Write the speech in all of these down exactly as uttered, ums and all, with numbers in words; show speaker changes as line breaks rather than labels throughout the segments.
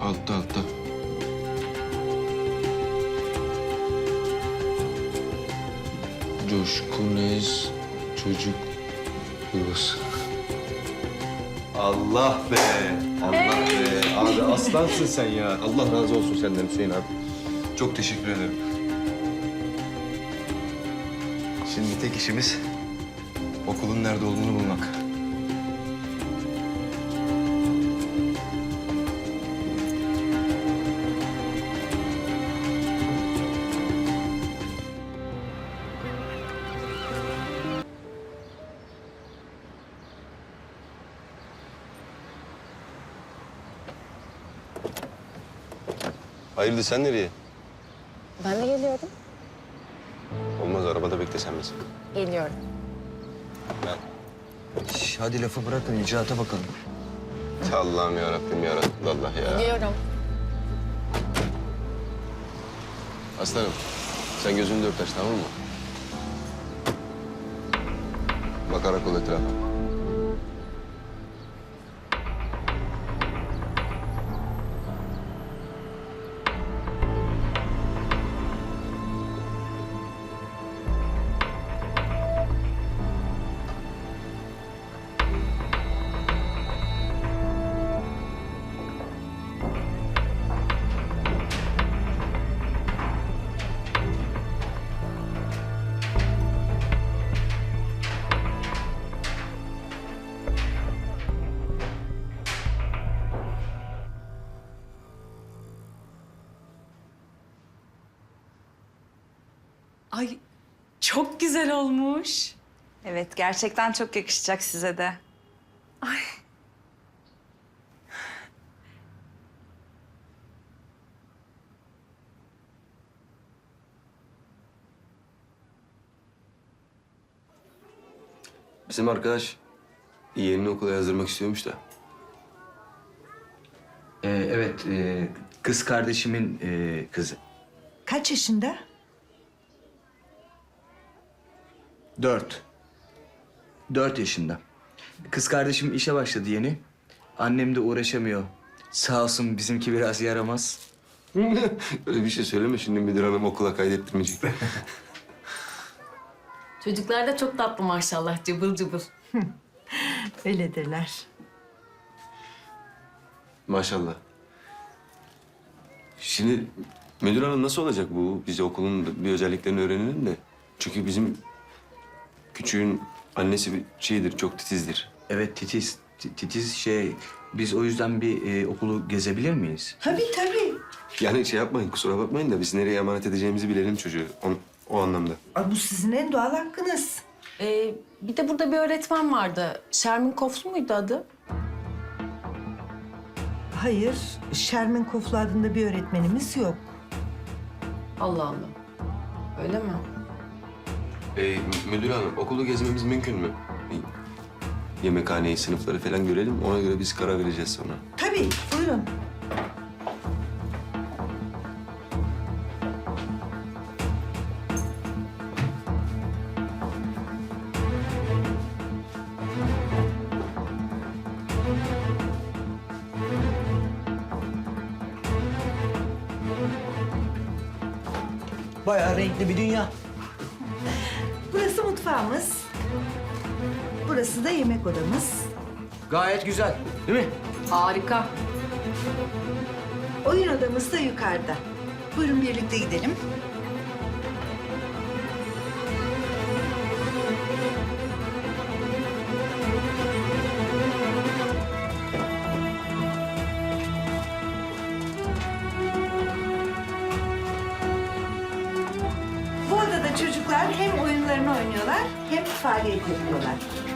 Altta altta. Coşkun Ez çocuk yuvası. Allah be! Allah be! Abi aslansın sen ya. Allah razı olsun senden Hüseyin abi. Çok teşekkür ederim. Şimdi tek işimiz okulun nerede olduğunu bulmak. Hayırdır sen nereye?
Ben de geliyorum.
Olmaz arabada beklesen biz.
Geliyorum.
Ben.
Şş, hadi lafı bırakın, icraata bakalım.
Allah'ım yarabbim yaratıldı Allah ya.
Geliyorum.
Aslanım sen gözünü dört aç tamam mı? Bakarak ol etrafa.
Ay çok güzel olmuş.
Evet, gerçekten çok yakışacak size de.
Ay.
Bizim arkadaş yeğenini okula yazdırmak istiyormuş da.
Ee, evet, e, kız kardeşimin e, kızı.
Kaç yaşında?
Dört. Dört yaşında. Kız kardeşim işe başladı yeni. Annem de uğraşamıyor. Sağ olsun bizimki biraz yaramaz.
Öyle bir şey söyleme şimdi müdür hanım okula kaydettirmeyecek.
Çocuklar da çok tatlı maşallah, cıbıl cıbıl.
Öyledirler.
Maşallah. Şimdi müdür hanım nasıl olacak bu? Biz okulun bir özelliklerini öğrenelim de. Çünkü bizim küçüğün annesi bir şeydir, çok titizdir.
Evet, titiz. Ti- Titiz şey, biz o yüzden bir e, okulu gezebilir miyiz?
Tabii tabii.
Yani şey yapmayın, kusura bakmayın da biz nereye emanet edeceğimizi bilelim çocuğu. O, o anlamda.
Ay, bu sizin en doğal hakkınız.
Ee, bir de burada bir öğretmen vardı. Şermin Koflu muydu adı?
Hayır, Şermin Koflu adında bir öğretmenimiz yok.
Allah Allah. Öyle mi?
Ee, müdür hanım, okulu gezmemiz mümkün mü? Bir yemekhaneyi, sınıfları falan görelim. Ona göre biz karar vereceğiz sonra.
Tabii, buyurun.
Bayağı renkli bir dünya.
Burası mutfağımız. Burası da yemek odamız.
Gayet güzel, değil mi?
Harika.
Oyun odamız da yukarıda. Buyurun birlikte gidelim. Bu odada çocuklar hem oyunlarını oynuyorlar hem faaliyet yapıyorlar.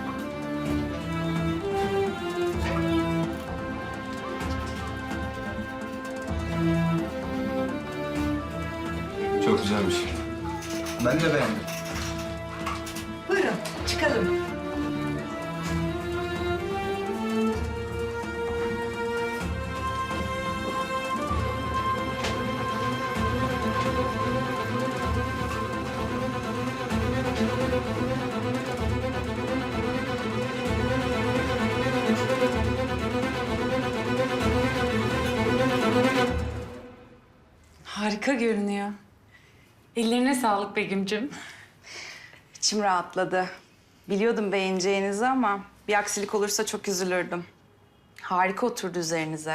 Çok güzelmiş.
Ben de beğendim.
Buyurun çıkalım.
harika görünüyor. Ellerine sağlık Begüm'cüm.
İçim rahatladı. Biliyordum beğeneceğinizi ama bir aksilik olursa çok üzülürdüm. Harika oturdu üzerinize.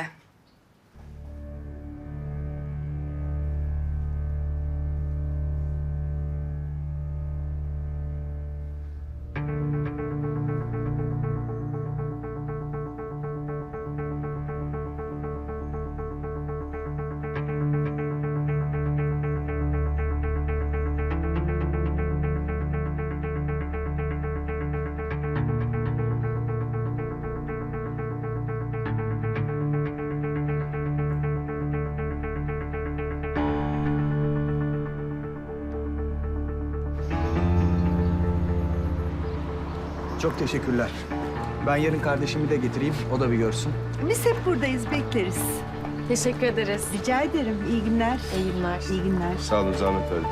Çok teşekkürler. Ben yarın kardeşimi de getireyim, o da bir görsün.
Biz hep buradayız, bekleriz.
Teşekkür ederiz.
Rica ederim. İyi günler.
İyi günler.
İyi günler.
Sağ olun, zahmet verdim.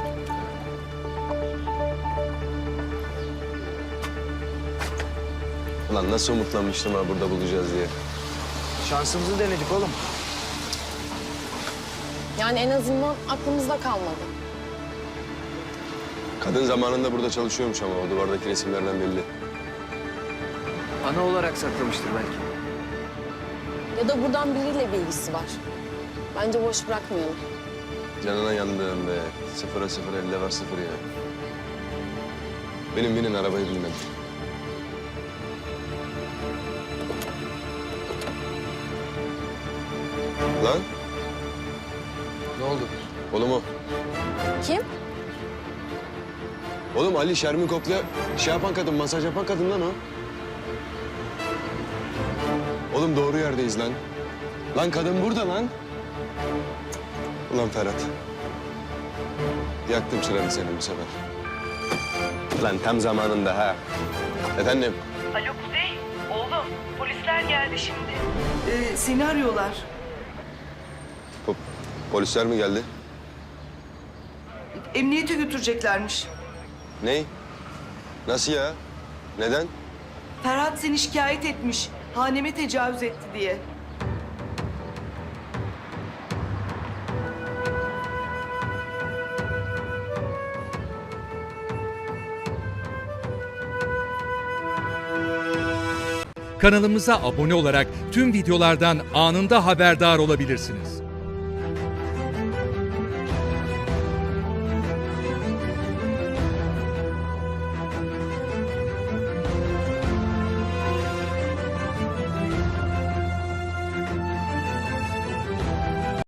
Ulan nasıl umutlanmıştım ha burada bulacağız diye.
Şansımızı denedik oğlum.
Yani en azından aklımızda kalmadı.
Kadın zamanında burada çalışıyormuş ama o duvardaki resimlerden belli.
Ana olarak saklamıştır belki.
Ya da buradan biriyle bir ilgisi var. Bence boş bırakmayalım.
Canına yandım be. Sıfıra sıfır, elde var sıfır ya. Benim binin arabayı bilmem. Lan
Ne oldu?
oğlum o.
Kim?
Oğlum Ali Şermin Koklu'ya şey yapan kadın, masaj yapan kadın lan o. Oğlum doğru yerdeyiz lan. Lan kadın burada lan. Ulan Ferhat. Yaktım çıranı senin bu sefer. Lan tam zamanında ha. Efendim?
Alo Kuzey, oğlum polisler geldi şimdi.
Ee, seni arıyorlar.
Po- polisler mi geldi?
Emniyete götüreceklermiş.
Ney? Nasıl ya? Neden?
Ferhat seni şikayet etmiş. Haneme tecavüz etti diye.
Kanalımıza abone olarak tüm videolardan anında haberdar olabilirsiniz.